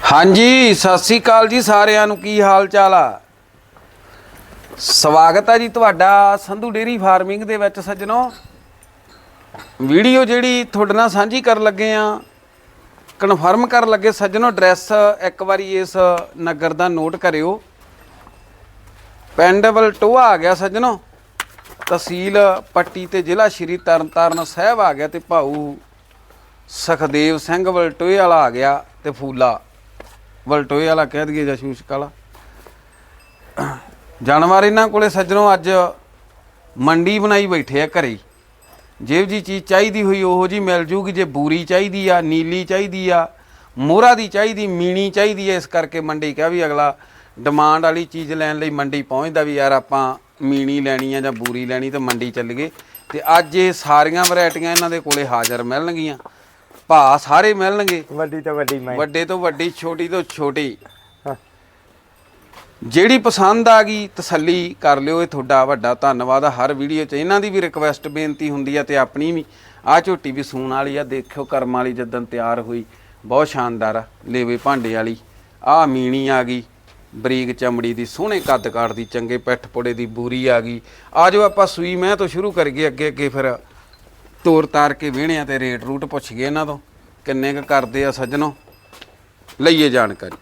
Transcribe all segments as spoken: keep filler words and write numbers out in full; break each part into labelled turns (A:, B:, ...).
A: ਹਾਂਜੀ ਸਤਿ ਸ੍ਰੀ ਅਕਾਲ ਜੀ ਸਾਰਿਆਂ ਨੂੰ। ਕੀ ਹਾਲ ਚਾਲ ਆ? ਸਵਾਗਤ ਹੈ ਜੀ ਤੁਹਾਡਾ ਸੰਧੂ ਡੇਅਰੀ ਫਾਰਮਿੰਗ ਦੇ ਵਿੱਚ ਸੱਜਣੋ। ਵੀਡੀਓ ਜਿਹੜੀ ਤੁਹਾਡੇ ਨਾਲ ਸਾਂਝੀ ਕਰਨ ਲੱਗੇ ਆ, ਕਨਫਰਮ ਕਰਨ ਲੱਗੇ ਸੱਜਣੋ। ਐਡਰੈਸ ਇੱਕ ਵਾਰੀ ਇਸ ਨਗਰ ਦਾ ਨੋਟ ਕਰਿਓ। ਪਿੰਡ ਵਲਟੋਆ ਆ ਗਿਆ ਸੱਜਣੋ, ਤਹਿਸੀਲ ਪੱਟੀ ਤੇ ਜ਼ਿਲ੍ਹਾ ਸ਼੍ਰੀ ਤਰਨਤਾਰਨ ਸਾਹਿਬ ਆ ਗਿਆ, ਤੇ ਭਾਊ ਸੁਖਦੇਵ ਸਿੰਘ ਵਲਟੋਏ ਵਾਲਾ ਆ ਗਿਆ, ਤੇ ਫੂਲਾ ਵਲਟੋਏ ਵਾਲਾ ਕਹਿ ਦਈਏ ਜਾਂ ਸ਼ੂਸ਼ਕ ਵਾਲਾ। ਜਾਨਵਰ ਇਹਨਾਂ ਕੋਲੇ ਸੱਜਣੋਂ ਅੱਜ ਮੰਡੀ ਬਣਾਈ ਬੈਠੇ ਆ ਘਰੇ। ਜਿਹੋ ਜੀ ਚੀਜ਼ ਚਾਹੀਦੀ ਹੋਈ ਉਹੋ ਜੀ ਮਿਲ ਜੂਗੀ। ਜੇ ਬੂਰੀ ਚਾਹੀਦੀ ਆ, ਨੀਲੀ ਚਾਹੀਦੀ ਆ, ਮੋਹਰਾ ਦੀ ਚਾਹੀਦੀ, ਮੀਣੀ ਚਾਹੀਦੀ ਹੈ, ਇਸ ਕਰਕੇ ਮੰਡੀ ਕਿਹਾ ਵੀ ਅਗਲਾ ਡਿਮਾਂਡ ਵਾਲੀ ਚੀਜ਼ ਲੈਣ ਲਈ ਮੰਡੀ ਪਹੁੰਚਦਾ ਵੀ ਯਾਰ ਆਪਾਂ ਮੀਣੀ ਲੈਣੀ ਆ ਜਾਂ ਬੂਰੀ ਲੈਣੀ, ਤਾਂ ਮੰਡੀ ਚੱਲ ਗਏ। ਤੇ ਅੱਜ ਇਹ ਸਾਰੀਆਂ ਵੈਰਾਈਟੀਆਂ ਇਹਨਾਂ ਦੇ ਕੋਲੇ ਹਾਜ਼ਰ ਮਿਲਣਗੀਆਂ। ਭਾ ਸਾਰੇ ਮਿਲਣਗੇ,
B: ਵੱਡੀ ਤੋਂ ਵੱਡੀ ਮੈਂ
A: ਵੱਡੇ ਤੋਂ ਵੱਡੀ, ਛੋਟੀ ਤੋਂ ਛੋਟੀ। ਜਿਹੜੀ ਪਸੰਦ ਆ ਗਈ ਤਸੱਲੀ ਕਰ ਲਿਓ। ਇਹ ਤੁਹਾਡਾ ਵੱਡਾ ਧੰਨਵਾਦ ਆ। ਹਰ ਵੀਡੀਓ 'ਚ ਇਹਨਾਂ ਦੀ ਵੀ ਰਿਕਵੈਸਟ ਬੇਨਤੀ ਹੁੰਦੀ ਆ ਤੇ ਆਪਣੀ ਵੀ। ਆਹ ਝੋਟੀ ਵੀ ਸੂਣ ਵਾਲੀ ਆ, ਦੇਖਿਓ ਕਰਮ ਵਾਲੀ ਜਦੋਂ ਤਿਆਰ ਹੋਈ, ਬਹੁਤ ਸ਼ਾਨਦਾਰ ਆ। ਲੇਵੇ ਭਾਂਡੇ ਵਾਲੀ ਆਹ ਮੀਣੀ ਆ ਗਈ, ਬਰੀਕ ਚਮੜੀ ਦੀ, ਸੋਹਣੇ ਕੱਦ ਕਾਠ ਦੀ, ਚੰਗੇ ਪਿੱਠ ਪੁੜੇ ਦੀ ਬੂਰੀ ਆ ਗਈ। ਆ ਜਾਓ ਆਪਾਂ ਸੂਈ ਮੈਂ ਤੋਂ ਸ਼ੁਰੂ ਕਰੀਏ, ਅੱਗੇ ਅੱਗੇ ਫਿਰ ਤੋਰ ਤਾਰ ਕੇ ਵਿਹਣੇ ਆ ਤੇ ਰੇਟ ਰੂਟ ਪੁੱਛ ਗਏ ਇਹਨਾਂ ਤੋਂ ਕਿੰਨੇ ਕੁ ਕਰਦੇ ਆ ਸੱਜਣੋ। ਲਈਏ ਜਾਣਕਾਰੀ।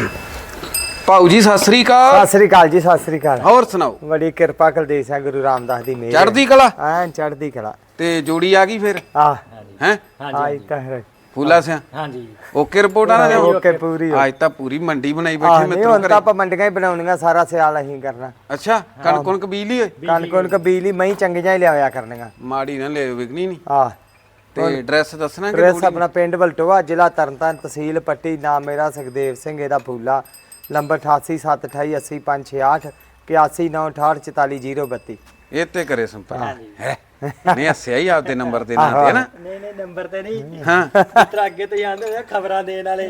A: ਭਾਊ ਜੀ ਸਤਿ ਸ੍ਰੀ ਅਕਾਲ।
B: ਸਤਿ ਸ੍ਰੀ ਅਕਾਲ ਜੀ, ਸਤਿ ਸ੍ਰੀ ਅਕਾਲ।
A: ਹੋਰ ਸੁਣਾਓ?
B: ਬੜੀ ਕਿਰਪਾ ਕੁਲਦੀਪ ਸਿੰਘ ਗੁਰੂ ਰਾਮਦਾਸ ਦੀ ਮਿਹਰ।
A: ਚੜ੍ਹਦੀ ਕਲਾ।
B: ਐਂ ਚੜ੍ਹਦੀ ਕਲਾ।
A: ਤੇ ਜੋੜੀ ਆ ਗਈ ਫਿਰ
B: ਆ
A: ਹੈ
B: ਆਈ ਤਾਂ ਹੈ
A: ਫੂਲਾ ਸਿਆ।
C: ਹਾਂਜੀ
A: ਓਕੇ ਰਿਪੋਰਟ ਆ ਨਾ?
B: ਓਕੇ ਪੂਰੀ।
A: ਅੱਜ ਤਾਂ ਪੂਰੀ ਮੰਡੀ ਬਣਾਈ ਬੈਠੇ
B: ਨਹੀਂ
A: ਮਿੱਤਰੋ
B: ਹੁਣ
A: ਘਰੇ।
B: ਤਾਂ ਆਪਾਂ ਮੰਡੀਆਂ ਹੀ ਬਣਾਉਣੀਆਂ, ਸਾਰਾ ਸਿਆਲ ਅਸੀਂ ਕਰਨਾ।
A: ਅੱਛਾ ਕਣਕ ਕੁਣਕ ਬੀਜਲੀ ਓਏ?
B: ਕਣਕ ਕੁਣਕ ਬਿਜਲੀ ਮੈਂ ਚੰਗੀਆਂ ਹੀ ਲਿਆਇਆ ਕਰਨੀਆਂ।
A: ਮਾੜੀ ਨਾ ਲੈ ਵਿਕਣੀ ਨਹੀਂ।
B: ਆ
A: ਤੇ ਐਡਰੈਸ ਦੱਸਣਾ ਕਿ
B: ਐਡਰੈਸ ਆਪਣਾ ਪਿੰਡ ਵਲਟੋਆ, ਜ਼ਿਲ੍ਹਾ ਤਰਨਤਾਰਨ, ਤਹਿਸੀਲ ਪੱਟੀ। ਨਾਮ ਮੇਰਾ ਸੁਖਦੇਵ ਸਿੰਘ, ਇਹਦਾ ਫੂਲਾ। ਨੰਬਰ ਅਠਾਸੀ ਸੱਤ ਅਠਾਈ ਅੱਸੀ ਪੰਜ ਛਿਆਹਠ ਇਕਿਆਸੀ ਨੌ ਅਠਾਹਠ ਚੁਤਾਲੀ ਜ਼ੀਰੋ ਬੱਤੀ।
A: ਇਹ ਤੇ ਕਰੇ ਸੰਪਰਕ ਹੈ। ਨਹੀਂ ਹੱਸਿਆ ਹੀ ਆਪਦੇ ਨੰਬਰ ਦੇ ਨਾਂ ਤੇ ਨਾ।
C: ਨਹੀਂ ਨਹੀਂ ਨੰਬਰ ਤੇ ਨਹੀਂ,
A: ਹਾਂ
C: ਇਤਰਾ ਅੱਗੇ ਤੋਂ ਜਾਂਦੇ ਹੋਏ ਖਬਰਾਂ ਦੇਣ ਵਾਲੇ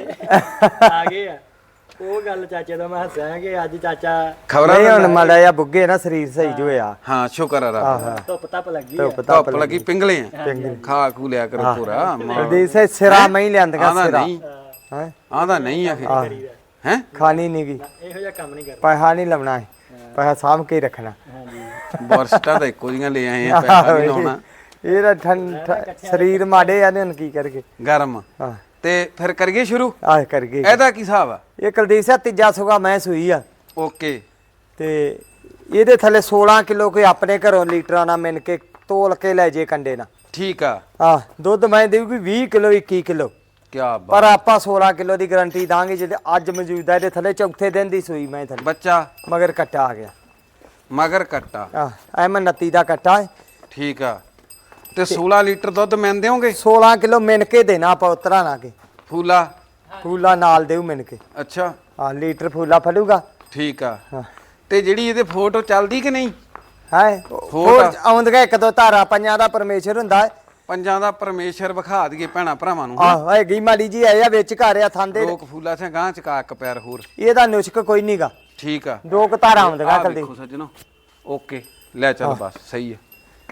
C: ਆ ਗਏ ਆ। ਉਹ ਗੱਲ ਚਾਚੇ ਦਾ ਮੈਂ ਹੱਸਿਆ ਕਿ ਅੱਜ ਚਾਚਾ
A: ਖਬਰਾਂ
B: ਨਹੀਂ ਹੁਣ ਮਾੜਾ ਜਿਹਾ ਬੁੱਗੇ ਨਾ, ਸਰੀਰ ਸਹੀ ਜੋ ਹੋਇਆ।
A: ਹਾਂ ਸ਼ੁਕਰ ਆ ਰੱਬ ਦਾ।
C: ਧੁੱਪ ਧੱਪ ਲੱਗੀ ਆ।
B: ਧੁੱਪ ਤਾਂ
A: ਧੁੱਪ ਲੱਗੀ, ਪਿੰਗਲੇ ਆ, ਖਾ ਖੂ ਲਿਆ ਕਰੋ ਪੂਰਾ।
B: ਕੁਲਦੀਪ ਸਿੰਘ ਸਿਰਾ ਮੈਂ ਹੀ ਲਿਆਂਦੀਆਂ
A: ਆਂਦਾ
B: ਸਿਰਾ।
A: ਨਹੀਂ,
B: ਹੈ
A: ਆਂਦਾ ਨਹੀਂ ਆਖੇ ਹੈ।
B: ਖਾਣੀ ਨਹੀਂ ਗਈ,
C: ਇਹੋ ਜਿਹਾ ਕੰਮ ਨਹੀਂ ਕਰਦਾ।
B: ਪੈਸਾ ਨਹੀਂ ਲਾਉਣਾ, ਪੈਸਾ ਸਾਂਭ ਕੇ ਹੀ ਰੱਖਣਾ।
C: ਹਾਂਜੀ
A: ਬਰਸਟਾ ਤਾਂ ਇੱਕੋ ਜੀਆਂ ਲੈ ਆਏ ਆ, ਪੈਸਾ ਨਹੀਂ ਲਾਉਣਾ।
B: ਇਹਦਾ ਠੰਡ ਸਰੀਰ ਮਾੜੇ ਆ ਨੇ, ਹੁਣ ਕੀ ਕਰਗੇ।
A: ਗਰਮ
B: ਹਾਂ
A: ਤੇ ਫਿਰ ਕਰੀਏ ਸ਼ੁਰੂ।
B: ਆਹ ਕਰਗੇ।
A: ਇਹਦਾ ਕੀ ਹਿਸਾਬ ਆ?
B: ਇਹ ਕੁਲਦੀਪ ਸਿੰਘ ਤੀਜਾ ਸੁਗਾ ਮੈਂ ਸੂਈ ਆ,
A: ਓਕੇ।
B: ਤੇ ਇਹਦੇ ਥੱਲੇ ਸੋਲਾਂ ਕਿਲੋ ਕੋਈ ਆਪਣੇ ਘਰੋਂ ਲੀਟਰਾਂ ਨਾਲ ਮਿਣ ਕੇ ਤੋਲ ਕੇ ਲੈ ਜੇ ਕੰਡੇ ਨਾਲ।
A: ਠੀਕ ਆ।
B: ਆਹ ਦੁੱਧ ਮੈਂ ਦੇਊਗੀ ਵੀਹ ਕਿਲੋ ਇੱਕੀ ਕਿਲੋ,
A: ਕੀ ਬਾਤ।
B: ਪਰ ਆਪਾਂ ਸੋਲਾਂ ਕਿਲੋ ਦੀ ਗਾਰੰਟੀ ਦਾਂਗੇ। ਜਿਹਦੇ ਅੱਜ ਮੌਜੂਦਾ ਇਹਦੇ ਥੱਲੇ ਚੌਥੇ ਦਿਨ ਦੀ ਸੂਈ ਮੈਂ ਥੱਲੇ,
A: ਬੱਚਾ
B: ਮਗਰ ਕੱਟਾ ਆ ਗਿਆ।
A: ਮਗਰ ਕੱਟਾ।
B: ਆਹ ਐ ਮੈਂ ਉਨੱਤੀ ਦਾ ਕੱਟਾ ਹੈ।
A: ਠੀਕ ਆ। ਤੇ ਸੋਲਾਂ ਲੀਟਰ ਦੁੱਧ ਮਿਣ ਦਿਓਗੇ?
B: ਸੋਲਾਂ ਕਿਲੋ ਮਿਣ ਕੇ ਦੇਣਾ ਆਪਾਂ, ਉਤਰਾ ਨਾ ਕੇ।
A: ਫੂਲਾ
B: ਫੂਲਾ ਨਾਲ ਦੇਊ ਮਿਣ ਕੇ।
A: ਅੱਛਾ
B: ਹਾਂ ਲੀਟਰ ਫੂਲਾ ਫੜੂਗਾ।
A: ਠੀਕ ਆ।
B: ਹਾਂ
A: ਤੇ ਜਿਹੜੀ ਇਹਦੇ ਫੋਟੋ ਚੱਲਦੀ ਕਿ ਨਹੀਂ?
B: ਹੈ ਹੋਰ ਆਉਂਦੀਆਂ ਇੱਕ ਦੋ ਧਾਰਾ ਪੰਜਾਂ ਦਾ ਪਰਮੇਸ਼ਰ ਹੁੰਦਾ ਹੈ।
A: ਪੰਜਾਂ ਦਾ ਪਰਮੇਸ਼ਰ ਵਿਖਾ ਦਈਏ ਭੈਣਾ ਭਰਾਵਾਂ ਨੂੰ।
B: ਆਹ ਹੈਗੀ ਮਾੜੀ ਜੀ ਆਇਆ ਵਿੱਚ ਘਰ ਆ ਥਾਂਦੇ।
A: ਲੋਕ ਫੂਲਾ ਸੇ ਗਾਂ ਚਕਾ ਇੱਕ ਪੈਰ ਹੋਰ।
B: ਇਹਦਾ ਨੁਸ਼ਕ ਕੋਈ ਨਹੀਂਗਾ।
A: ਠੀਕ ਆ।
B: ਦੋ ਕੁ ਧਾਰਾ ਆਉਂਦੀਆਂ
A: ਆਹ
B: ਕਲਦੀ।
A: ਦੇਖੋ ਸੱਜਣੋ, ਓਕੇ ਲੈ ਚੱਲ ਬਸ ਸਹੀ ਹੈ।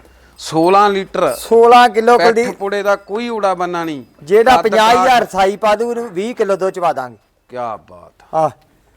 A: ਸੋਲਾਂ ਲੀਟਰ
B: ਸੋਲਾਂ ਕਿਲੋ
A: ਪਿੱਠ
B: ਕਲਦੀ।
A: ਪੁੜੇ ਦਾ ਕੋਈ ਊੜਾ ਬੰਨਾ ਨਹੀਂ।
B: ਜਿਹੜਾ ਪੰਜਾਹ ਹਜ਼ਾਰ ਸਾਈ ਪਾ ਦੂ ਉਹਨੂੰ ਵੀਹ ਕਿਲੋ ਦੁੱਧ ਚਵਾ ਦਾਂਗੇ।
A: ਕੀ ਬਾਤ।
B: ਆਹ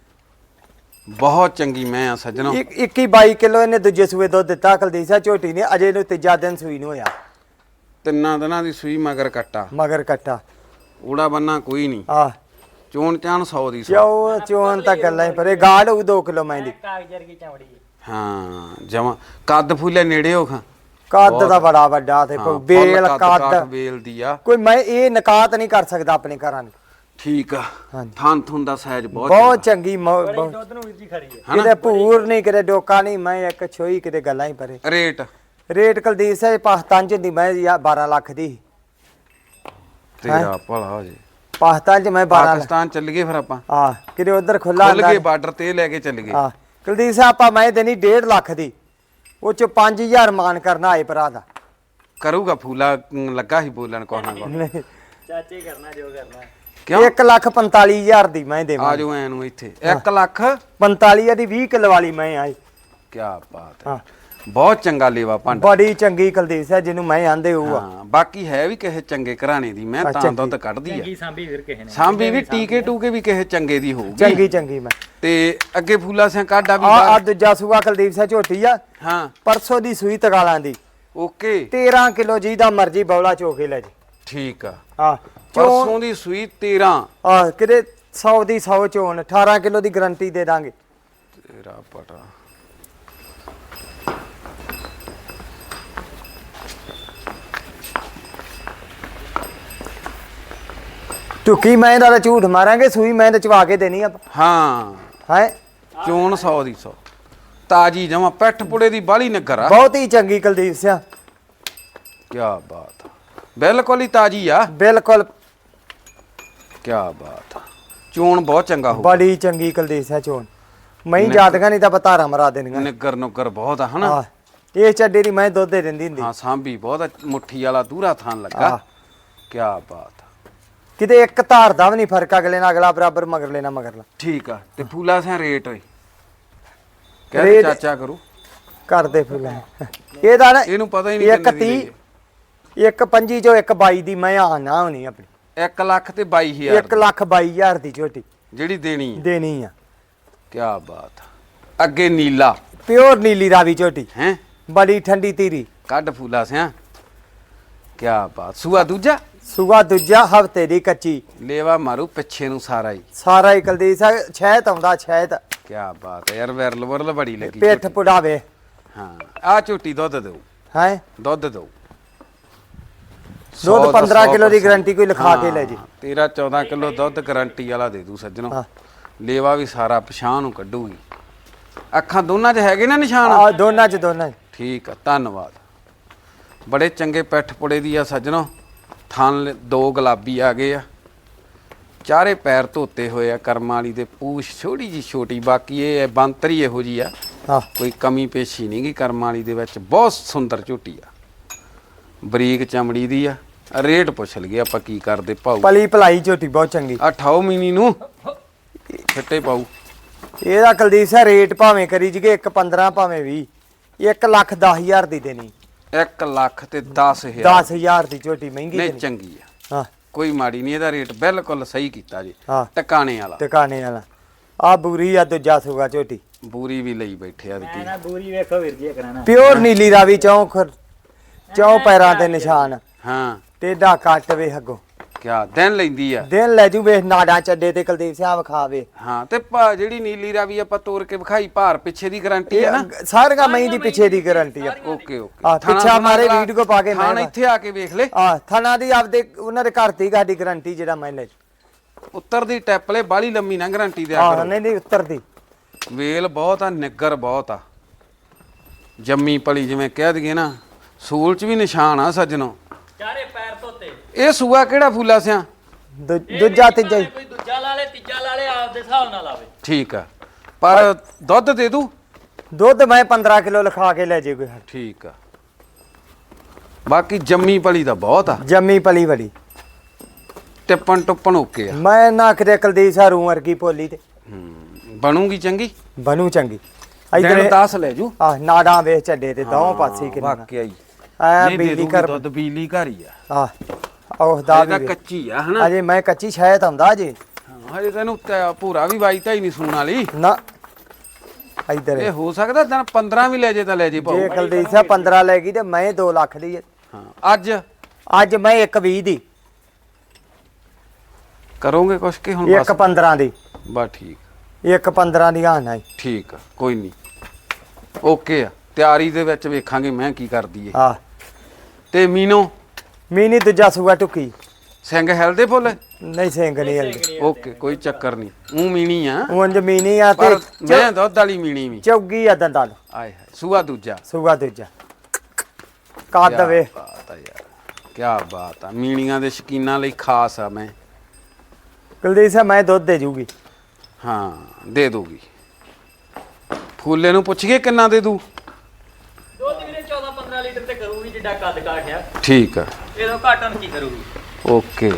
A: ਬਹੁਤ ਚੰਗੀ ਮੈਂ ਆ ਸੱਜਣੋ।
B: ਇੱਕੀ ਬਾਈ ਕਿਲੋ ਇਹਨੇ ਦੂਜੇ ਸੂਏ ਦੁੱਧ ਦਿੱਤਾ ਕੁਲਦੀਪ ਸਿੰਘ ਝੋਟੀ ਨੇ। ਅਜੇ ਨੂੰ ਤੀਜਾ ਦਿਨ ਸੂਈ ਨੂੰ ਹੋਇਆ।
A: ਤਿੰਨਾਂ ਦਿਨਾਂ ਦੀ ਸੂਈ ਮਗਰ ਕੱਟਾ,
B: ਮਗਰ ਕੱਟਾ।
A: ਊੜਾ ਬੰਨਾ ਕੋਈ ਨਹੀਂ।
B: ਆਹ
A: ਚੋਣ ਚਾਣ ਸੌ ਦੀ ਸੌ।
B: ਚੋ ਚੋਣ ਤਾਂ ਗੱਲਾਂ ਹੀ ਪਰੇ। ਗਾੜ ਹੋਊ ਦੋ ਕਿਲੋ ਮੈਂ ਦੀ।
C: ਕਾਗਜ਼ ਵਰਗੀ ਚਮੜੀ ਹੈ।
A: ਹਾਂ ਜਮਾ ਕੱਦ ਫੁੱਲੇ ਨੇੜੇ ਹੋ ਖਾਂ।
B: ਕੱਦ ਦਾ ਬੜਾ ਵੱਡਾ ਤੇ
A: ਹਾਂ,
B: ਬੇਲ
A: ਫੁੱਲ ਕੱਦ
B: ਕੱਦ
A: ਬੇਲ ਦੀ ਆ
B: ਕੋਈ ਮੈਂ ਇਹ ਨਕਾਤ ਨਹੀਂ ਕਰ ਸਕਦਾ ਆਪਣੇ ਘਰਾਂ ਨੂੰ।
A: ਠੀਕ ਆ।
B: ਹਾਂਜੀ।
A: ਥਣ ਥੁਣ ਦਾ ਸਾਈਜ਼ ਬਹੁਤ
B: ਬਹੁਤ ਚੰਗੀ ਮੌ-
C: ਬੜੀ
B: ਬਹੁਤ-
C: ਦੁੱਧ ਨੂੰ ਵੀਰ ਜੀ ਖਰੀ ਹੈ।
A: ਹਨਾ?
B: ਕਿਤੇ ਭੂਰ ਨਹੀਂ, ਕਿਤੇ ਡੋਕਾ ਨਹੀਂ। ਮੈਂ ਇੱਕ ਛੋਈ, ਕਿਤੇ ਗੱਲਾਂ ਹੀ ਪਰੇ।
A: ਰੇਟ
B: ਰੇਟ ਕੁਲਦੀਪ ਸਿੰਘ ਪਾਕਿਸਤਾਨ ਚ ਹੁੰਦੀ ਮੈਂ ਯਾ ਬਾਰਾਂ ਲੱਖ ਦੀ।
A: ਤੇਰਾ ਭਲਾ ਹੋ ਜੇ।
B: ਪਾਕਿਸਤਾਨ ਚ ਮੈਂ ਬਾਰਾਂ ਲੱਖ।
A: ਪਾਕਿਸਤਾਨ ਚੱਲ ਗਏ ਫਿਰ ਆਪਾਂ।
B: ਆ ਕਿਤੇ ਉਧਰ ਖੁੱਲਾ
A: ਖੁੱਲ ਗਏ ਬਾਰਡਰ ਤੇ ਲੈ ਕੇ ਚੱਲ ਗਏ।
B: ਆ ਕੁਲਦੀਪ ਸਿੰਘ ਆਪਾਂ ਮੈਂ ਦੇਣੀ ਡੇਢ ਲੱਖ ਦੀ, ਉਹ ਚ ਪੰਜ ਹਜ਼ਾਰ ਮਾਨ ਕਰਨਾ ਆਏ ਭਰਾ ਦਾ।
A: ਕਰੂਗਾ ਫੂਲਾ ਅਮ, ਲੱਗਾ ਸੀ ਬੋਲਣ ਕੋਹ ਨਾ ਕੋਹ।
B: ਨਹੀਂ
C: ਚਾਚੇ ਕਰਨਾ ਜੋ ਕਰਨਾ।
A: ਕਿਉਂ?
B: ਇੱਕ ਲੱਖ ਪੰਤਾਲੀ ਹਜ਼ਾਰ ਦੀ ਮੈਂ ਦੇਵਾਂ।
A: ਆ ਜਾਓ ਐ ਨੂੰ ਇੱਥੇ ਇੱਕ ਲੱਖ
B: ਪੰਤਾਲੀ ਦੀ ਵੀਹ ਕਿਲੋ ਵਾਲੀ ਮੈਂ ਆਈ।
A: ਕੀ ਬਾਤ ਹੈ।
B: ਹਾਂ
A: ਬਹੁਤ ਚੰਗਾ ਲੇਵਾ ਭਾਂਡਾ।
B: ਬੜੀ ਚੰਗੀ ਕੁਲਦੀਪ ਸਿੰਘ ਜਿਹਨੂੰ ਮੈਂ ਆਂਦੇ ਉਹ ਆ।
A: ਹਾਂ ਬਾਕੀ ਹੈ ਵੀ ਕਿਸੇ ਚੰਗੇ ਘਰਾਣੇ ਦੀ ਮੈਂ ਤਾਂ ਦੁੱਧ ਕੱਢਦੀ ਆ।
C: ਚੰਗੀ ਸਾਂਭੀ ਵੀਰ ਕਿਸੇ ਨੇ
A: ਸਾਂਭੀ ਵੀ ਟੀਕੇ ਟੂਕੇ ਵੀ ਕਿਸੇ ਚੰਗੇ ਦੀ ਹੋਊਗੀ।
B: ਚੰਗੀ ਚੰਗੀ ਮੈਂ
A: ਤੇ ਅੱਗੇ ਫੂਲਾ ਸਿੰਘ ਕਾਢਾ ਵੀ
B: ਆ ਆ
A: ਬਾਹਰ-
B: ਦੂਜਾ ਸੂਆ ਕੁਲਦੀਪ ਸਿੰਘ ਝੋਟੀ ਆ
A: ਹਾਂ
B: ਪਰਸੋਂ ਦੀ ਸੂਈ ਤਗਾਲਾਂ ਦੀ
A: ਓਕੇ
B: ਤੇਰਾਂ ਕਿਲੋ ਜੀ ਦਾ ਮਰਜੀ ਬੌਲਾ ਚੋਕੇ ਲੈ ਜੀ।
A: ਠੀਕ ਆ।
B: ਆ ਚੋਣ
A: ਪਰਸੋਂ ਦੀ ਸੂਈ ਤੇਰਾਂ
B: ਆ ਕਿਤੇ ਸੌ ਦੀ ਸੌ ਚੋਣ ਅਠਾਰਾਂ ਕਿਲੋ ਦੀ ਗਾਰੰਟੀ ਦੇ ਦਾਂਗੇ।
A: ਤੇਰਾ ਪਟਾ
B: ਟੁਕੀ ਮੈਂ ਦਾ ਝੂਠ ਮਾਰਾਂਗੇ ਸੂਈ ਮੈਂ ਤੇ ਚਵਾ ਕੇ ਦੇਣੀ ਆ
A: ਹਾਂ
B: ਹੈ
A: ਚੋਣ ਸੌ ਦੀ ਸੌ ਤਾਜੀ ਜਮਾ ਪੈਠ ਪੁੜੇ ਦੀ ਬਾਲੀ ਨਗਰ ਆ।
B: ਬਹੁਤ ਹੀ ਚੰਗੀ ਕੁਲਦੀਪ ਸਿੰਘ
A: ਕੀ ਬਾਤ ਆ। ਬਿਲਕੁਲ ਹੀ ਤਾਜੀ ਆ।
B: ਬਿਲਕੁਲ
A: ਕੀ ਬਾਤ ਆ। ਚੋਣ ਬਹੁਤ ਚੰਗਾ ਹੋ
B: ਬੜੀ ਚੰਗੀ ਕੁਲਦੀਪ ਸਿੰਘ ਚੋਣ ਮੈਂ ਜਾਤਗਾ ਨਹੀਂ ਤਾਂ ਬਤਾਰਾ ਮਰਾ ਦੇਣੀਆਂ।
A: ਨਿੱਗਰ ਨੁੱਗਰ ਬਹੁਤ ਆ ਹਨਾ।
B: ਆ ਇਹ ਚੱਡੇ ਦੀ ਮੈਂ ਦੁੱਧ ਦੇ ਦਿੰਦੀ ਹੁੰਦੀ
A: ਹਾਂ ਸਾਂਭੀ ਬਹੁਤ ਆ, ਮੁੱਠੀ ਵਾਲਾ ਦੂਰਾ ਥਾਨ ਲੱਗਾ।
B: ਆਹ।
A: ਕੀ ਬਾਤ ਆ।
B: ਕਿਤੇ ਇੱਕ ਧਾਰ ਦਾ ਵੀ ਨਹੀਂ ਫਰਕ ਅਗਲੇ ਨਾਲ ਅਗਲਾ ਬਰਾਬਰ ਮਗਰ ਲੈਣਾ ਮਗਰਲਾ।
A: ਠੀਕ ਆ। ਤੇ ਫੂਲਾ ਸਿਆ ਰੇਟ ਓਏ ਕਹਿੰਦੇ
B: ਰੇਟ-
A: ਚਾਚਾ ਕਰੂ
B: ਕਰਦੇ ਫੁੱਲਾਂ ਇਹਦਾ ਨਾ
A: ਇਹਨੂੰ ਪਤਾ ਹੀ ਨਹੀਂ
B: ਇੱਕ
A: ਕਿੰਨੇ ਦੀ
B: ਤੀਹ ਇੱਕ ਪੰਜੀ ਚੋਂ ਇੱਕ ਬਾਈ ਦੀ ਮੈਂ ਆ ਨਾ ਹੋਣੀ ਆਪਣੀ
A: ਇੱਕ ਲੱਖ ਤੇ ਬਾਈ ਹਜ਼ਾਰ
B: ਇੱਕ ਲੱਖ ਬਾਈ ਹਜ਼ਾਰ ਦੀ ਝੋਟੀ
A: ਜਿਹੜੀ ਦੇਣੀ ਹੈ।
B: ਦੇਣੀ ਆ।
A: ਕੀ ਬਾਤ ਆ। ਅੱਗੇ ਨੀਲਾ
B: ਪਿਓਰ ਨੀਲੀ ਰਾਵੀ ਝੋਟੀ
A: ਹੈ
B: ਬੜੀ ਠੰਡੀ ਧੀਰੀ
A: ਕੱਢ ਫੂਲਾ ਸਿਆ। ਕੀ ਬਾਤ। ਸੂਆ ਦੂਜਾ
B: ਸੂਆ ਦੂਜਾ ਹਫਤੇ ਦੀ ਕੱਚੀ
A: ਲੇਵਾ ਮਾਰੂ ਪਿੱਛੇ ਨੂੰ ਸਾਰਾ ਹੀ।
B: ਸਾਰਾ ਹੀ ਕੁਲਦੀਪ ਸਿੰਘ ਛਹਿਤ ਆਉਂਦਾ ਛਹਿਤ
A: ਕੀ ਬਾਤ ਹੈ ਯਾਰ ਵਿਰਲ ਵਰਲ ਬੜੀ ਲੱਗੀ
B: ਪਿੱਠ ਪੁੜਾਵੇ
A: ਹਾਂ ਆ ਝੋਟੀ ਦੁੱਧ ਦਿਓ
B: ਹੈ
A: ਦੁੱਧ ਦਿਓ
B: ਦੁੱਧ ਪੰਦਰਾਂ ਕਿਲੋ ਦੀ ਗਾਰੰਟੀ ਕੋਈ ਲਿਖਾ ਕੇ ਲੈ ਜੀ।
A: ਤੇਰਾ ਚੌਦਾਂ ਕਿਲੋ ਦੁੱਧ ਗਾਰੰਟੀ ਵਾਲਾ ਦੇ ਦੂ ਸੱਜਣੋ।
B: ਹਾਂ।
A: ਲੇਵਾ ਵੀ ਸਾਰਾ ਪਛਾਣ ਨੂੰ ਕੱਢੂਗੀ। ਅੱਖਾਂ ਦੋਨਾਂ 'ਚ ਹੈਗੇ ਨਾ ਨਿਸ਼ਾਨ।
B: ਆ ਦੋਨਾਂ ਚ ਦੋਨਾਂ ਚ।
A: ਠੀਕ ਆ ਧੰਨਵਾਦ। ਬੜੇ ਚੰਗੇ ਪੈਠ ਪੁੜੇ ਦੀ ਆ ਸੱਜਣੋ। ਥਣ ਦੋ ਗੁਲਾਬੀ ਆ ਗਏ ਆ। ਚਾਰੇ ਪੈਰ ਧੋਤੇ ਹੋਏ ਆ ਕਰਮਾਂ ਵਾਲੀ ਦੇ ਪੂਛ ਛੋਟੀ ਜੀ ਛੋਟੀ ਬਾਕੀ ਇਹ ਬੰਤਰੀ ਇਹੋ ਜੀ ਆ
B: ਹਾਂ
A: ਕੋਈ ਕਮੀ ਪੇਸ਼ੀ ਨਹੀਂ ਗੀ ਕਰਮਾਂ ਵਾਲੀ ਦੇ ਵਿੱਚ ਬਹੁਤ ਸੁੰਦਰ ਝੋਟੀ ਆ ਬਰੀਕ ਚਮੜੀ ਦੀ ਆ ਰੇਟ ਪੁੱਛ ਲਈਏ ਆਪਾਂ ਕੀ ਕਰਦੇ ਭਾਊ
B: ਪਲੀ ਭਲਾਈ ਝੋਟੀ ਬਹੁਤ ਚੰਗੀ
A: ਆ ਠਾਓ ਮੀਨੀ ਨੂੰ ਛੱਟੇ ਪਾਊ
B: ਇਹਦਾ ਕੁਲਦੀਪ ਸਿੰਘ ਰੇਟ ਭਾਵੇਂ ਕਰੀ ਜਗੇ ਇੱਕ ਪੰਦਰਾਂ ਭਾਵੇਂ ਵੀਹ ਇੱਕ ਲੱਖ ਦਸ ਹਜ਼ਾਰ ਦੀ ਦੇਣੀ।
A: ਇੱਕ ਲੱਖ ਤੇ ਦਸ ਹਜ਼ਾਰ
B: ਦਸ ਹਜ਼ਾਰ ਦੀ ਝੋਟੀ ਮਹਿੰਗੀ
A: ਨਹੀਂ
B: ਦੇਣੀ।
A: ਚੰਗੀ ਆ
B: ਹਾਂ
A: ਕੋਈ ਮਾੜੀ ਨਹੀਂ ਇਹਦਾ ਰੇਟ ਬਿਲਕੁਲ ਸਹੀ ਕੀਤਾ ਜੀ
B: ਹਾਂ
A: ਟਿਕਾਣੇ ਵਾਲਾ
B: ਟਿਕਾਣੇ ਵਾਲਾ ਆ ਬੂਰੀ ਆ ਦੂਜਾ ਸੂਗਾ ਝੋਟੀ
A: ਬੂਰੀ ਵੀ ਲਈ ਬੈਠੇ ਆ
C: ਮੈਂ ਨਾ ਬੂਰੀ ਵੇਖੋ ਵੀਰ ਜੀ ਕਰਾਣਾ
B: ਪਿਓਰ ਨੀਲੀ ਰਾਵੀ ਚੌਂਕ ਚੌ ਪੈਰਾਂ ਦੇ ਨਿਸ਼ਾਨ
A: ਹਾਂ
B: ਟੇਡਾ ਕੱਟ ਵੇ ਅੱਗੋਂ
A: ਕਿਆ ਦਿਨ ਲੈਂਦੀ ਆ
B: ਦਿਨ ਲੈ ਜੂ ਵੇਖ ਨਾੜਾਂ ਚੱਡੇ ਤੇ ਕੁਲਦੀਪ ਸਿੰਘ ਵਿਖਾਵੇ
A: ਹਾਂ ਤੇ ਭਾ- ਜਿਹੜੀ ਨੀਲੀ ਰਾਵੀ ਆਪਾਂ ਤੋੜ ਕੇ ਵਿਖਾਈ ਭਾਰ ਪਿੱਛੇ ਦੀ ਗਾਰੰਟੀ ਹੈ ਨਾ
B: ਸਾਰੀਆਂ ਮਈ ਦੀ ਪਿੱਛੇ ਦੀ ਗਾਰੰਟੀ ਆ
A: ਓਕੇ ਓਕੇ
B: ਆ ਪਿੱਛਾ ਮਾਰੇ ਵੀਡੀਓ ਪਾ ਕੇ
A: ਥਾਣ
B: ਮੈਂ
A: ਇੱਥੇ ਆ ਕੇ ਵੇਖ ਲੈ
B: ਆ ਥਣਾ ਦੀ ਆਪਦੇ ਉਹਨਾਂ ਦੇ ਘਰ ਦੀ ਗਾਡੀ ਗਾਰੰਟੀ ਜਿਹੜਾ ਮੈਂ ਲੈ
A: ਉੱਤਰ ਦੀ ਟੈਪ ਲੈ ਬਾਲੀ ਲੰਮੀ ਨਾ ਗਾਰੰਟੀ ਦੇ
B: ਆ
A: ਆ
B: ਨਹੀਂ ਨਹੀਂ ਉੱਤਰਦੀ
A: ਵੇਲ ਬਹੁਤ ਆ ਨਿੱਗਰ ਬਹੁਤ ਆ ਜੰਮੀ ਪਲੀ ਜਿਵੇਂ ਕਹਿ ਦਈਏ ਨਾ ਸੂਲ ਚ ਵੀ ਨਿਸ਼ਾਨ ਆ ਸੱਜਣੋ
C: ਚਾਰੇ ਪੈਰ ਧੋਤੇ
A: ਇਹ ਸੂਆ ਕਿਹੜਾ ਫੂਲਾ ਸਿਆ
B: ਦੂ- ਦੂਜਾ ਤੀਜਾ ਹੀ।
C: ਕੋਈ ਦੂਜਾ ਲਾ ਲੇ ਤੀਜਾ ਲਾ ਲੇ ਆਪਦੇ ਹਿਸਾਬ ਨਾਲ ਲਾਵੇ
A: ਠੀਕ ਆ ਪਰ ਦੁੱਧ ਦੇ ਦੂ
B: ਦੁੱਧ ਮੈਂ ਪੰਦਰਾਂ ਕਿਲੋ ਲਿਖਾ ਕੇ ਲੈ ਜੇ ਕੋਈ ਹੱਥ।
A: ਠੀਕ ਆ ਬਾਕੀ ਜੰਮੀ ਪਲੀ ਦਾ ਬਹੁਤ ਆ
B: ਜੰਮੀ ਪਲੀ ਵੜੀ
A: ਟਿੱਪਣ ਟੁੱਪਣ ਓਕੇ ਆ
B: ਮੈਂ ਨਾ ਕਿਤੇ ਕੁਲਦੀਪ ਸਿੰਘ ਰੂ ਵਰਗੀ ਭੋਲੀ ਤੇ
A: ਹੂੰ, ਬਣੂਗੀ ਚੰਗੀ
B: ਬਣੂ ਚੰਗੀ
A: ਦਿਨ
B: ਇਧਰ
A: ਦਸ ਲੈ ਜੂ
B: ਆ ਨਾੜਾਂ ਵੇਖ ਚੱਡੇ ਤੇ ਦੋਵੇਂ ਪਾਸੇ ਕਿੰਨਾ
A: ਵਾਕਿਆ ਹੀ
B: ਆ
A: ਨਹੀਂ ਦੇ
B: ਬਿਜਲੀ
A: ਦੂਗੀ
B: ਕਰ
A: ਦੁੱਧ ਬਿਜਲੀ ਘਰ ਹੀ ਆ
B: ਆ ਉਹ ਦਾ
A: ਇਹਦਾ
B: ਵੀ
A: ਕੱਚੀ ਆ ਹਨਾ
B: ਅਜੇ ਮੈਂ ਕੱਚੀ ਸ਼ਾਇਦ ਆਉਂਦਾ ਜੀ
A: ਹਾਂ, ਹਜੇ ਤੈਨੂੰ ਤਾਂ ਭੂਰਾ ਵੀ ਵਾਈ ਤਾਂ ਹੀ ਨਹੀਂ ਸੂਣ ਵਾਲੀ
B: ਨਾ ਇਧਰ
A: ਇਹ ਹੋ ਸਕਦਾ ਦਿਨ ਪੰਦਰਾਂ ਵੀ ਲੈ ਜੇ ਤਾਂ ਲੈ ਜੇ ਭਾਊ
B: ਜੇ ਕੁਲਦੀਪ ਸਿੰਘ ਪੰਦਰਾਂ ਲੈ ਗਈ ਤੇ ਮੈਂ ਦੋ ਲੱਖ ਦੀ ਹੈ।
A: ਹਾਂ ਅੱਜ
B: ਅੱਜ ਮੈਂ ਇੱਕ ਵੀਹ ਦੀ
A: ਕਰੋਗੇ ਕੁਛ ਕਿ ਹੁਣ
B: ਇੱਕ
A: ਬਸ
B: ਪੰਦਰਾਂ ਦੀ
A: ਬਸ ਠੀਕ
B: ਇੱਕ ਪੰਦਰਾਂ ਦੀ ਆਣਾ ਹੈ
A: ਠੀਕ ਆ ਕੋਈ ਨਹੀਂ ਓਕੇ ਆ ਤਿਆਰੀ ਦੇ ਵਿੱਚ ਵੇਖਾਂਗੇ ਮੈਂ ਕੀ ਕਰਦੀ ਏ
B: ਆ
A: ਤੇ ਮੀਨੋ
B: ਮੀਨੀ ਦੂਜਾ ਸੂਆ ਟੁੱਕੀ
A: ਸਿੰਘ ਹੈਲਦੇ ਫੁੱਲ
B: ਨਹੀਂ ਸਿੰਘ ਨਹੀਂ ਹਲਦੀ
A: ਓਕੇ ਕੋਈ ਚੱਕਰ ਨਹੀਂ ਉਹ ਮੀਣੀ ਆ
B: ਉਂਝ ਮੀਨੀ ਆ ਤੇ
A: ਪਰ ਮੈਂ ਦੁੱਧ ਵਾਲੀ ਮੀਣੀ ਵੀ
B: ਚੌਗੀ ਆ ਦੰਦਾਂ ਨੂੰ
A: ਆਏ ਹਾਏ ਸੂਆ ਦੂਜਾ
B: ਸੂਆ ਦੂਜਾ ਕੱਦ
A: ਕਿਆ
B: ਵੇ
A: ਬਾਤ ਆ ਯਾਰ ਕੀ ਬਾਤ ਆ ਮੀਣੀਆਂ ਦੇ ਸ਼ਕੀਨਾਂ ਲਈ ਖਾਸ ਆ ਮੈਂ
B: ਕੁਲਦੀਪ ਸਿੰਘ ਮੈਂ ਦੁੱਧ ਦੇ ਜੂਗੀ
A: ਹਾਂ ਦੇ ਦੂਗੀ ਫੂਲੇ ਨੂੰ ਪੁੱਛ ਕੇ ਕਿੰਨਾ ਦੇ ਦੂ
C: ਦੁੱਧ ਵੀਰੇ ਚੌਦਾਂ ਪੰਦਰਾਂ ਲੀਟਰ ਤੇ ਕਰੂਗੀ ਜਿੱਡਾ ਕੱਦ ਕਾਠਿਆ
A: ਠੀਕ ਆ
C: ਇਹਦੋਂ ਘਾਟਨ ਕੀ ਕਰੂਗੀ
A: ਓਕੇ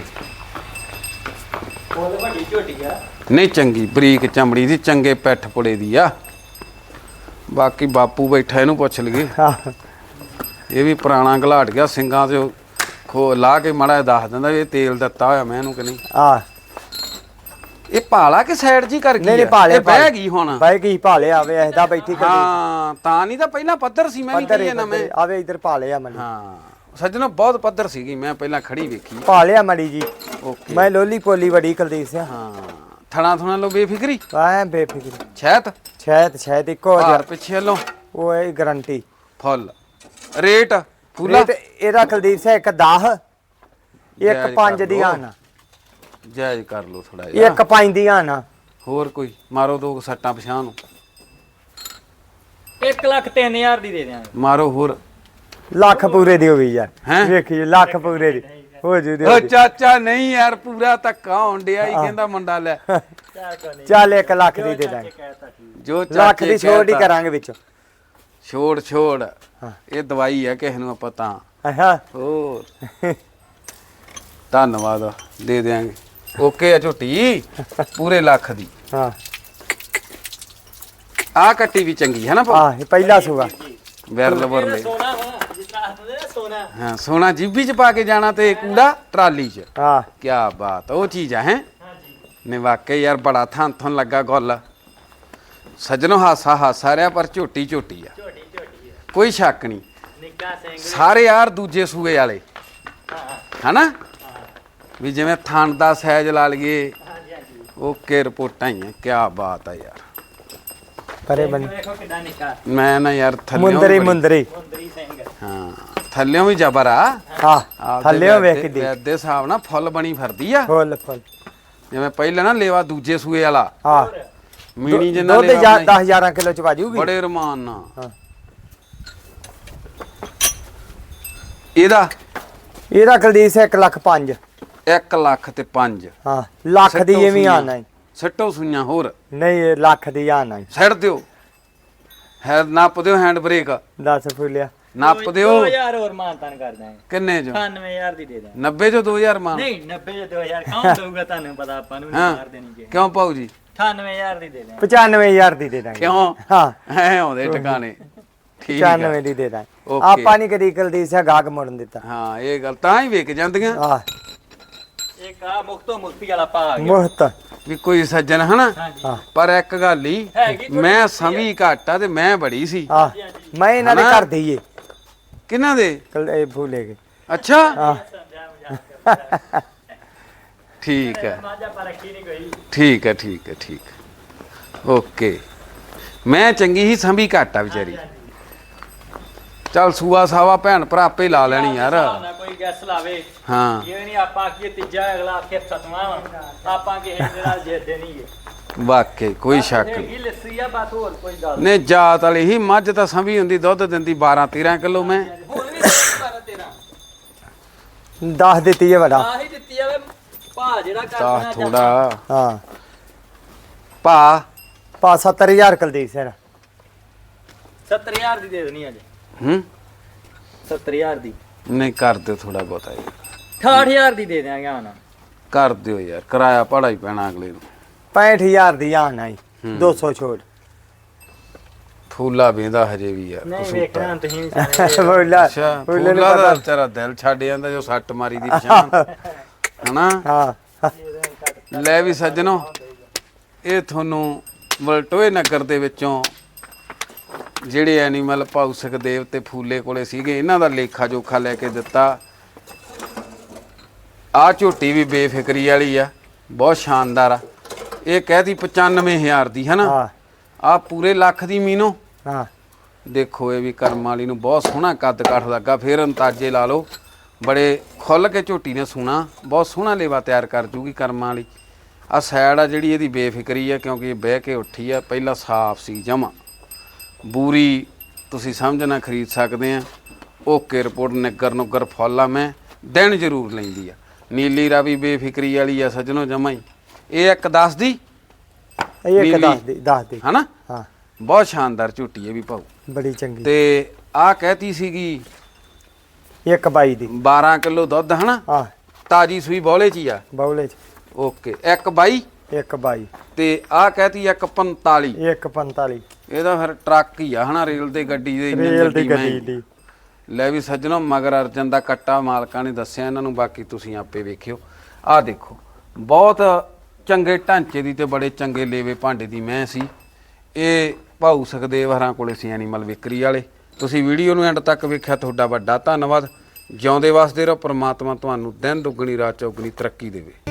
C: ਉਹ ਵੱਡੀ ਝੋਟੀ ਆ
A: ਨਹੀਂ ਚੰਗੀ ਬਰੀਕ ਚਮੜੀ ਦੀ ਚੰਗੇ ਪੈਠ ਪੁੜੇ ਦੀ ਆ ਬਾਕੀ ਬਾਪੂ ਬੈਠਾ ਇਹਨੂੰ ਪੁੱਛ ਲਈਏ
B: ਹਾਂ
A: ਇਹ ਵੀ ਪੁਰਾਣਾ ਘਲਾਟ ਗਿਆ ਸਿੰਘਾਂ ਤੇ ਖੋ ਲਾ ਕੇ ਮਾੜਾ ਜਿਹਾ ਦੱਸ ਦਿੰਦਾ ਵੀ ਇਹ ਤੇਲ ਦਿੱਤਾ ਹੋਇਆ ਮੈਂ ਇਹਨੂੰ ਕਿ ਨਹੀਂ
B: ਆ
A: ਇਹ ਭਾਲਾ ਕਿ ਸਾਈਡ ਜੀ ਕਰ ਗਈ
B: ਨਹੀਂ ਨਹੀਂ
A: ਆ?
B: ਭਾਲੇ
A: ਇਹ ਬਹਿ ਗਈ ਹੁਣ
B: ਬਹਿ ਗਈ ਭਾਲੇ ਆਵੇ ਐਦਾ ਬੈਠੀ ਕਰ
A: ਹਾਂ ਤਾਂ ਨਹੀਂ ਤਾਂ ਪਹਿਲਾਂ ਪੱਧਰ ਸੀ ਮੈਂ ਵੀ
B: ਪੱਧਰ
A: ਕਹੀਏ ਨਾ ਮੈਂ
B: ਆਵੇ ਇਧਰ ਭਾਲੇ ਆ ਮਣੀ
A: ਹਾਂ ਸੱਜਣੋ ਬਹੁਤ ਪੱਧਰ ਸੀਗੀ ਮੈਂ ਪਹਿਲਾਂ ਖੜੀ ਵੇਖੀ
B: ਭਾਲੇ ਆ ਮੜੀ ਜੀ
A: ਓਕੇ
B: ਮੈਂ ਲੋਲੀ ਪੋਲੀ ਬੜੀ ਕੁਲਦੀਪ ਸਿੰਘ
A: ਹਾਂ ਥਣਾ ਥਣਾ ਲੋ ਬੇਫਿਕਰੀ
B: ਐ ਬੇਫਿਕਰੀ
A: ਛੈਤ
B: ਸ਼ਾਇਦ ਸ਼ਾਇਦ ਇੱਕੋ
A: ਭਾਰ
B: ਜਿਹਾ
A: ਪਿੱਛੇ ਲੋ
B: ਉਹ ਹੈ ਗਾਰੰਟੀ
A: ਫੁੱਲ ਰੇਟ ਫੁੱਲਾ
B: ਰੇਟ ਇਹਦਾ ਕੁਲਦੀਪ ਸਿੰਘ ਇੱਕ ਦਸ ਇੱਕ
A: ਜਾਇਜ਼
B: ਪੰਜ
A: ਕਰ
B: ਦੀ
A: ਲਓ।
B: ਆਣਾ
A: ਜਾਇਜ਼ ਕਰ ਲੋ ਥੋੜਾ ਜਿਹਾ
B: ਇੱਕ ਪੰਜ ਦੀ ਆਣਾ
A: ਹੋਰ ਕੋਈ ਮਾਰੋ ਦੋ ਸੱਟਾਂ ਪਛਾਣ ਨੂੰ
C: ਇੱਕ ਲੱਖ ਤਿੰਨ ਹਜ਼ਾਰ ਦੀ ਦੇ ਦਿਆਂਗੇ
A: ਮਾਰੋ ਹੋਰ
B: ਲੱਖ ਪੂਰੇ ਦੀ ਹੋ ਗਈ ਯਾਰ
A: ਹੈਂ?
B: ਵੇਖੀ ਲੱਖ ਪੂਰੇ ਦੀ ਹੋ ਜੂ ਦੀ
A: ਓ ਚਾਚਾ ਨਹੀਂ ਯਾਰ ਪੂਰਾ ਧੱਕਾ ਹੋਣ ਡਿਆ ਹੀ ਕਹਿੰਦਾ ਮੁੰਡਾ ਲੈ
C: ਚਾਹ ਕੋ ਨਹੀਂ
B: ਚੱਲ ਇੱਕ ਲੱਖ ਦੀ ਦੇ ਦਾਂਗੇ
C: ਕਹਿਤਾ ਠੀਕ
A: ਜੋ
B: ਲੱਖ
A: ਚਾਚੇ
B: ਦੀ ਛੋੜ ਹੀ
A: ਕਹਿਤਾ।
B: ਕਰਾਂਗੇ ਵਿੱਚੋਂ
A: ਛੋੜ ਛੋੜ
B: ਹਾਂ।
A: ਇਹ ਦਵਾਈ ਹੈ ਕਿਸੇ ਨੂੰ ਆਪਾਂ ਤਾਂ
B: ਹਾਂ
A: ਹੋਰ ਧੰਨਵਾਦ ਦੇ ਦਿਆਂਗੇ ਓਕੇ ਆ ਝੋਟੀ ਪੂਰੇ ਲੱਖ ਦੀ
B: ਹਾਂ
A: ਆ ਕੱਟੀ ਵੀ ਚੰਗੀ ਹੈ ਨਾ ਭਾਊ?
B: ਆ ਇਹ ਪਹਿਲਾ ਸੂਆ
A: ਵਿਰਲ ਵਰਲੇ
C: ਸੋਨਾ ਵਾ ਜਿਸ ਤਰ੍ਹਾਂ ਆਖਦੇ ਨੇ ਸੋਨਾ
A: ਹਾਂ ਸੋਨਾ ਜੀਬੀ ਚ ਪਾ ਕੇ ਜਾਣਾ ਤੇ ਕੂੜਾ ਟਰਾਲੀ ਚ
B: ਹਾਂ
A: ਕੀ ਬਾਤ ਉਹ ਚੀਜ਼ ਹੈ
C: ਹਾਂਜੀ
A: ਨੇ ਵਾਕਈ ਯਾਰ ਬੜਾ ਥਾਂ ਥਾਂ ਲੱਗਾ ਗੁੱਲ ਸੱਜਣੋ ਹਾਸਾ ਹਾਸਾ ਰਿਆ ਪਰ ਝੋਟੀ ਝੋਟੀ ਆ
C: ਝੋਟੀ ਝੋਟੀ ਹੈ
A: ਕੋਈ ਸ਼ੱਕ ਨਹੀਂ
C: ਨਿੱਕਾ ਸਿੰਘ
A: ਸਾਰੇ ਯਾਰ ਦੂਜੇ ਸੂਏ ਵਾਲੇ
C: ਹਾਂ
A: ਹਨਾ ਵੀ ਜਿਵੇਂ ਥਣ ਦਾ ਸਾਈਜ਼ ਲਾ ਲਈਏ
C: ਹਾਂਜੀ ਹਾਂਜੀ
A: ਓਕੇ ਰਿਪੋਰਟਾਂ ਹੀ ਆ ਕੀ ਬਾਤ ਆ ਯਾਰ
B: ਪਰੇ ਬਣ
C: ਵੇਖੋ ਕਿੱਡਾ ਨਿੱਕਾ
A: ਮੈਂ ਨਾ ਯਾਰ ਥੱਲੇ
B: ਮੁੰਦਰੀ ਮੁੰਦਰੀ
C: ਮੁੰਦਰੀ ਸਿੰਘ
A: ਹਾਂ ਥੱਲਿਓਂ ਵੀ ਜ਼ਬਰ ਆ
B: ਹਾਂ ਥੱਲੇ ਵੇਖ ਕੇ ਦੇ
A: ਦੇ ਹਿਸਾਬ ਨਾਲ ਫੁੱਲ ਬਣੀ ਫਿਰਦੀ ਆ
B: ਫੁੱਲ ਫੁੱਲ
A: ਜਿਵੇਂ ਪਹਿਲਾਂ ਨਾ ਲੇਵਾ ਦੂਜੇ ਸੂਏ ਵਾਲਾ
B: ਹਾਂ
A: ਮੀਣੀ ਜਿੰਨਾ
B: ਦੁੱਧ
A: ਲੇਵਾ
B: ਦਸ ਹਜ਼ਾਰ ਕਿਲੋ ਚ ਵਾਜੂਗੀ
A: ਬੜੇ ਰਮਾਨ ਨਾਲ
B: ਹਾਂ
A: ਇਹਦਾ
B: ਇਹਦਾ ਕੁਲਦੀਪ ਸਿੰਘ ਇੱਕ ਲੱਖ ਪੰਜ
A: ਇੱਕ ਲੱਖ ਤੇ ਪੰਜ
B: ਹਾਂ ਲੱਖ ਦੀ
A: ਸਿੱਟੋ
B: ਐਵੇਂ
A: ਸੂਈਆਂ।
B: ਆਣਾ ਈ।
A: ਸਿੱਟੋ ਸੂਈਆਂ ਹੋਰ
B: ਨਹੀਂ ਇਹ ਲੱਖ ਦੀ ਆਣਾ ਈ।
A: ਸਿੱਟ ਦਿਓ ਹੈ ਨੱਪ ਦਿਓ ਹੈਂਡ ਬ੍ਰੇਕ
B: ਦਸ ਫੁੱਲਿਆ
A: ਨੱਪ ਦਿਓ
C: ਦੋ ਹਜ਼ਾਰ ਹੋਰ ਮਾਨਤਾਨ ਕਰ ਦਾਂਗੇ
A: ਕਿੰਨੇ ਜੋ
C: ਅਠਾਨਵੇਂ ਹਜ਼ਾਰ ਦੀ ਦੇ ਦਾਂਗੇ
A: ਨੱਬੇ ਚੋਂ ਦੋ ਹਜ਼ਾਰ ਮਾਨ
C: ਨਹੀਂ ਨੱਬੇ ਜਾਂ ਦੋ ਹਜ਼ਾਰ ਕੌਣ ਦਊਗਾ ਤੁਹਾਨੂੰ ਪਤਾ ਆਪਾਂ ਨੂੰ ਨਹੀਂ
A: ਹਾਂ
C: ਮਾਰ ਦੇਣੀ ਜੇ
A: ਕਿਉਂ ਪਾਉ ਜੀ
C: ਅਠਾਨਵੇਂ ਹਜ਼ਾਰ ਦੀ ਦੇ ਦਾਂਗੇ
B: ਪਚਾਨਵੇਂ ਹਜ਼ਾਰ ਦੀ ਦੇ ਦਾਂਗੇ
A: ਕਿਉਂ
B: ਹਾਂ
A: ਐ ਆਉਂਦੇ ਟਿਕਾਣੇ ਠੀਕ ਆ
B: ਪਚਾਨਵੇਂ ਦੀ ਦੇ ਦਾਂਗੇ
A: ਓਕੇ।
B: ਆਪਾਂ ਨਹੀਂ ਕਦੀ ਕੁਲਦੀਪ ਸਿੰਘ ਗਾਹਕ ਮੋੜਨ ਦਿੱਤਾ
A: ਹਾਂ ਇਹ ਗੱਲ ਤਾਂ ਹੀ ਵੇਖ ਜਾਂਦੀਆਂ
B: ਆ
C: ਇੱਕ ਆ ਮੁਕਤੋ ਮੁਕਤੀ ਵਾਲਾ ਪਾ ਆ ਗਿਆ
B: ਮੁਹਤ
A: ਵੀ ਕੋਈ ਸੱਜਣ ਹਨਾ
C: ਹਾਂਜੀ
B: ਹਾਂ
A: ਪਰ ਇੱਕ ਗੱਲ ਹੀ
C: ਹੈਗੀ ਥੋੜ੍ਹੀ
A: ਮੈਂ ਸਮੀ ਘੱਟ ਆ ਤੇ ਮੈਂ ਬੜੀ ਸੀ
B: ਆ ਮੈਂ ਇਹਨਾਂ ਦੇ
A: ਹਨਾ?
B: ਘਰ ਦਈਏ
A: ਕਿਹਨਾਂ ਦੇ
B: ਕਲ ਇਹ ਭੁੱਲੇ ਗਏ
A: ਅੱਛਾ
B: ਹਾਂ
C: ਸਮਝਾ ਮਜ਼ਾਕ
A: ਠੀਕ ਹੈ
C: ਮਾਜਾ ਪਰ ਰੱਖੀ ਨਹੀਂ ਕੋਈ
A: ਠੀਕ ਹੈ ਠੀਕ ਹੈ ਠੀਕ ਹੈ। ਓਕੇ ਮੈਂ ਚੰਗੀ ਹੀ ਸੰਭੀ ਘੱਟ ਆ ਵਿਚਾਰੀ ਚੱਲ ਸੂਆ ਸਾਵਾ ਭੈਣ ਭਰਾ ਆਪੇ ਲਾ ਲੈਣੀ ਯਾਰ
C: ਨਾ ਕੋਈ ਗੈਸ ਲਾਵੇ
A: ਹਾਂ
C: ਇਹ ਨਹੀਂ ਆਪਾਂ ਆਖੀਏ ਤੀਜਾ ਅਗਲਾ ਆਖੇ ਸਤਵਾਂ ਵਾ। ਆਪਾਂ ਕਿਸੇ ਦੇ ਨਾਲ ਜਿੱਦੇ ਨਹੀਂ
A: ਵਾਕਈ ਕੋਈ ਸ਼ੱਕ ਨਹੀਂ
C: ਹੈਗੀ ਲੱਸੀ ਆ ਬਸ ਹੋਰ ਕੋਈ ਗੱਲ
A: ਨੇ ਜਾਤ ਵਾਲੀ ਹੀ ਮੱਝ ਤਾਂ ਸੰਭੀ ਹੁੰਦੀ ਦੁੱਧ ਦਿੰਦੀ ਬਾਰਾਂ ਤੇਰਾਂ ਕਿਲੋ ਮੈਂ
C: ਹੁਣ ਵੀ ਬਾਰਾਂ ਤੇਰਾਂ
B: ਦਸ ਦਿੱਤੀ ਹੈ ਵੱਡਾ
C: ਆਹੀ ਦਿੱਤੀ ਆ ਵੇ ਭਾ ਜਿਹੜਾ
A: ਤਾਂ
C: ਕਰਨਾ
A: ਥੋੜਾ
B: ਹਾਂ
A: ਭਾ
B: ਪਾ ਸੱਤਰ ਹਜ਼ਾਰ ਕੁਲਦੀਪ ਸਿੰਘ
C: ਸੱਤਰ ਹਜ਼ਾਰ ਦੀ ਦੇ ਦੇਣੀ ਅੱਜ
A: ਹੂੰ
C: ਸੱਤਰ ਹਜ਼ਾਰ ਦੀ
A: ਨਹੀਂ ਕਰ ਦਿਓ ਥੋੜਾ ਬਹੁਤਾ ਯਾਰ
C: ਅਠਾਹਠ ਹਜ਼ਾਰ ਦੀ ਦੇ ਦਿਆਂਗੇ ਹੁਣ
A: ਕਰ ਦਿਓ ਯਾਰ ਕਿਰਾਇਆ ਭਾੜਾ ਹੀ ਪੈਣਾ ਅਗਲੇ ਨੂੰ
B: ਪੈਂਹਠ ਹਜ਼ਾਰ ਦੀ ਆਣਾ ਹੀ
A: ਹੂੰ।
B: ਦੋ ਸੌ ਛੋੜ
A: ਫੂਲਾ ਵੇਂਦਾ ਹਜੇ ਵੀ ਯਾਰ
C: ਨਹੀਂ
A: ਕਸੂਤਾ।
C: ਵੇਖਣਾ ਤੁਸੀਂ ਵੀ ਸਿਆਣੇ
B: ਬੋਲਾ
A: ਅੱਛਾ
B: ਬੋਲੇ ਨੂੰ
A: ਫੂਲਾ ਦਾ
B: ਪਤਾ
A: ਵਿਚਾਰਾ ਦਿਲ ਛੱਡ ਜਾਂਦਾ ਜੋ ਸੱਟ ਮਾਰੀ ਦੀ ਪਛਾਣ ਹਨਾ
B: ਹਾਂ
A: ਲੈ ਵੀ ਸੱਜਣੋ ਇਹ ਤੁਹਾਨੂੰ ਵਲਟੋਏ ਨਗਰ ਦੇ ਵਿੱਚੋਂ ਜਿਹੜੇ ਐਨੀਮਲ ਭਾਊ ਸੁਖਦੇਵ ਤੇ ਫੂਲੇ ਕੋਲੇ ਸੀਗੇ ਇਹਨਾਂ ਦਾ ਲੇਖਾ ਜੋਖਾ ਲੈ ਕੇ ਦਿੱਤਾ ਆ ਝੋਟੀ ਵੀ ਬੇਫਿਕਰੀ ਵਾਲੀ ਆ ਬਹੁਤ ਸ਼ਾਨਦਾਰ ਆ ਇਹ ਕਹਿਦੀ ਪਚਾਨਵੇਂ ਹਜ਼ਾਰ ਦੀ ਹੈ ਨਾ
B: ਹਾਂ
A: ਆ ਪੂਰੇ ਲੱਖ ਦੀ ਮੀਨੋ
B: ਹਾਂ
A: ਦੇਖੋ ਇਹ ਵੀ ਕਰਮ ਵਾਲੀ ਨੂੰ ਬਹੁਤ ਸੋਹਣਾ ਕੱਦ ਕਾਠ ਲੱਗਾ ਫਿਰ ਅੰਤਾਜੇ ਲਾ ਲਓ ਬੜੇ ਖੁੱਲ ਕੇ ਝੋਟੀ ਨੇ ਸੋਹਣਾ ਬਹੁਤ ਸੋਹਣਾ ਲੇਵਾ ਤਿਆਰ ਕਰ ਜੂਗੀ ਕਰਮਾਂ ਵਾਲੀ ਆ ਸਾਈਡ ਆ ਜਿਹੜੀ ਇਹਦੀ ਬੇਫਿਕਰੀ ਆ ਕਿਉਂਕਿ ਇਹ ਬਹਿ ਕੇ ਉੱਠੀ ਆ ਪਹਿਲਾਂ ਸਾਫ਼ ਸੀ ਜਮਾ ਬੂਰੀ ਤੁਸੀਂ ਸਮਝਣਾ ਖਰੀਦ ਸਕਦੇ ਆ ਓਕੇ ਰਿਪੋਰਟ ਨਿੱਗਰ ਨੁੱਗਰ ਫੁੱਲ ਆ ਮੈਂ ਦਿਨ ਜ਼ਰੂਰ ਲੈਂਦੀ ਆ ਨੀਲੀ ਰਾਵੀ ਬੇਫਿਕਰੀ ਵਾਲੀ ਆ ਸੱਜਣੋ ਜਮਾ ਹੀ ਇਹ ਇੱਕ ਦਸ ਦੀ
B: ਇਹ ਇੱਕ
A: ਨੀਲੀ।
B: ਦਸ ਦੀ ਦਸ ਦੀ
A: ਹਨਾ
B: ਹਾਂ
A: ਬਹੁਤ ਸ਼ਾਨਦਾਰ ਝੋਟੀ ਹੈ ਵੀ ਭਾਊ
B: ਬੜੀ ਚੰਗੀ
A: ਤੇ ਆ ਕਹਿਤੀ ਸੀਗੀ
B: ਇੱਕ ਬਾਈ ਦੀ
A: ਬਾਰਾਂ ਕਿਲੋ ਦੁੱਧ ਹਨਾ
B: ਹਾਂ
A: ਤਾਜੀ ਸੂਈ ਬੌਲੇ ਚ ਹੀ ਆ
B: ਬੌਲੇ ਚ
A: ਓਕੇ ਇੱਕ ਬਾਈ
B: ਇੱਕ ਬਾਈ
A: ਤੇ ਆ ਕਹਿਤੀ ਇੱਕ ਪੰਤਾਲੀ
B: ਇੱਕ ਪੰਤਾਲੀ
A: ਇਹਦਾ ਫਿਰ ਟਰੱਕ ਹੀ ਆ ਹਨਾ, ਰੇਲ ਦੇ ਗੱਡੀ ਦੇ ਇੰਜਨ
B: ਰੇਲ ਦੀ
A: ਗੱਡੀ
B: ਗੱਡੀ
A: ਮੈਂ
B: ਦੀ।
A: ਲੈ ਵੀ ਸੱਜਣੋ ਮਗਰ ਅਰਜਨ ਦਾ ਕੱਟਾ ਮਾਲਕਾਂ ਨੇ ਦੱਸਿਆ ਇਹਨਾਂ ਨੂੰ, ਬਾਕੀ ਤੁਸੀਂ ਆਪੇ ਵੇਖਿਓ। ਆਹ ਦੇਖੋ ਬਹੁਤ ਚੰਗੇ ਢਾਂਚੇ ਦੀ ਤੇ ਬੜੇ ਚੰਗੇ ਲੇਵੇ ਭਾਂਡੇ ਦੀ ਮੈਂ ਸੀ। ਇਹ ਭਾਊ ਸੁਖਦੇਵ ਹਰਾਂ ਕੋਲੇ ਸੀ ਐਨੀਮਲ ਵਿਕਰੀ ਵਾਲੇ। ਤੁਸੀਂ ਵੀਡੀਓ ਨੂੰ ਐਂਡ ਤੱਕ ਵੇਖਿਆ, ਤੁਹਾਡਾ ਵੱਡਾ ਧੰਨਵਾਦ। ਜਿਉਂਦੇ ਵਸਦੇ ਰਹੋ, ਪ੍ਰਮਾਤਮਾ ਤੁਹਾਨੂੰ ਦਿਨ ਦੁੱਗਣੀ ਰਾਤ ਚੌਗਣੀ ਤਰੱਕੀ ਦੇਵੇ।